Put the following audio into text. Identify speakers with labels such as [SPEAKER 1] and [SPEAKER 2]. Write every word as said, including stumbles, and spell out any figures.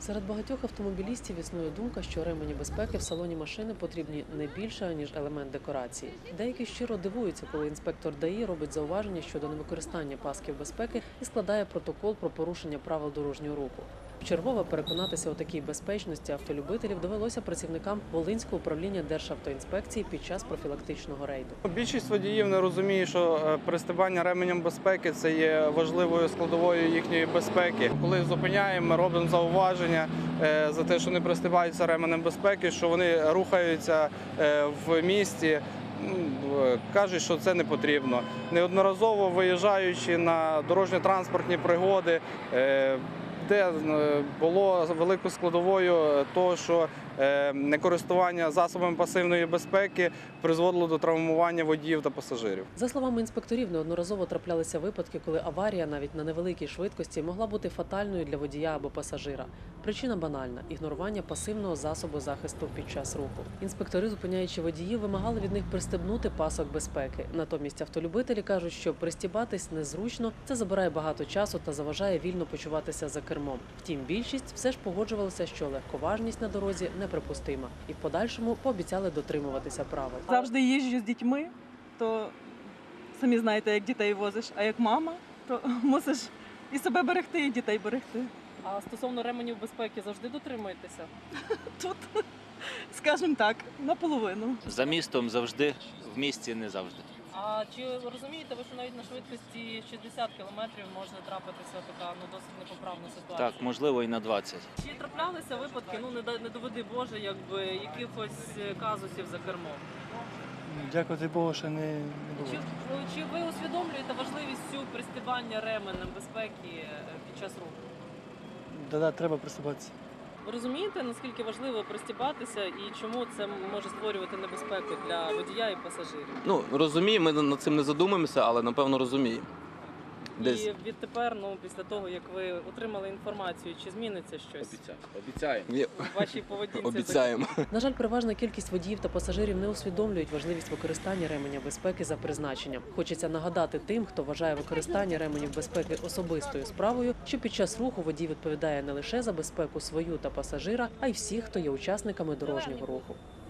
[SPEAKER 1] Серед багатьох автомобілістів існує думка, що ремені безпеки в салоні машини потрібні не більше, ніж елемент декорації. Деякі щиро дивуються, коли інспектор ДАІ робить зауваження щодо невикористання пасків безпеки і складає протокол про порушення правил дорожнього руху. Вчергове переконатися у такій безпечності автолюбителів довелося працівникам Волинського управління Державтоінспекції під час профілактичного рейду.
[SPEAKER 2] Більшість водіїв не розуміє, що пристебання ременем безпеки – це є важливою складовою їхньої безпеки. Коли зупиняємо, ми робимо зауваження за те, що не пристебаються ременем безпеки, що вони рухаються в місті. Кажуть, що це не потрібно. Неодноразово виїжджаючи на дорожньо-транспортні пригоди, де було великою складовою того, що некористування засобами пасивної безпеки призводило до травмування водіїв та пасажирів.
[SPEAKER 1] За словами інспекторів, неодноразово траплялися випадки, коли аварія навіть на невеликій швидкості могла бути фатальною для водія або пасажира. Причина банальна – ігнорування пасивного засобу захисту під час руху. Інспектори, зупиняючи водіїв, вимагали від них пристебнути пасок безпеки. Натомість автолюбителі кажуть, що пристібатись незручно, це забирає багато часу та заважає вільно почуватися за кермом. Втім, більшість все ж погоджувалася, що легковажність на дорозі неприпустима. І в подальшому пообіцяли дотримуватися правил.
[SPEAKER 3] Завжди їжджу з дітьми, то самі знаєте, як дітей возиш, а як мама, то мусиш і себе берегти, і дітей берегти.
[SPEAKER 4] А стосовно ременів безпеки завжди дотримуєтеся?
[SPEAKER 3] Тут, скажімо так, наполовину.
[SPEAKER 5] За містом завжди, в місті не завжди.
[SPEAKER 4] А чи розумієте ви, що навіть на швидкості шістдесят кілометрів може трапитися така ну, досить непоправна ситуація?
[SPEAKER 5] Так, можливо, і на двадцять.
[SPEAKER 4] Чи траплялися випадки, ну не, не доведи Боже, якби якихось казусів за кермом?
[SPEAKER 6] Дякувати Богу, що не, не було.
[SPEAKER 4] Чи, чи ви усвідомлюєте важливість цю пристібання ременем безпеки під час руху?
[SPEAKER 6] Да-да, треба приступатися.
[SPEAKER 4] Ви розумієте, наскільки важливо пристібатися і чому це може створювати небезпеку для водія і пасажирів?
[SPEAKER 7] Ну, розуміємо, ми над цим не задумуємося, але, напевно, розуміємо. Десь.
[SPEAKER 4] І відтепер, ну, після того, як ви отримали інформацію, чи зміниться щось
[SPEAKER 7] Обіцяємо.
[SPEAKER 4] у вашій поведінці?
[SPEAKER 7] Обіцяємо.
[SPEAKER 1] На жаль, переважна кількість водіїв та пасажирів не усвідомлюють важливість використання ременя безпеки за призначенням. Хочеться нагадати тим, хто вважає використання ременів безпеки особистою справою, що під час руху водій відповідає не лише за безпеку свою та пасажира, а й всіх, хто є учасниками дорожнього руху.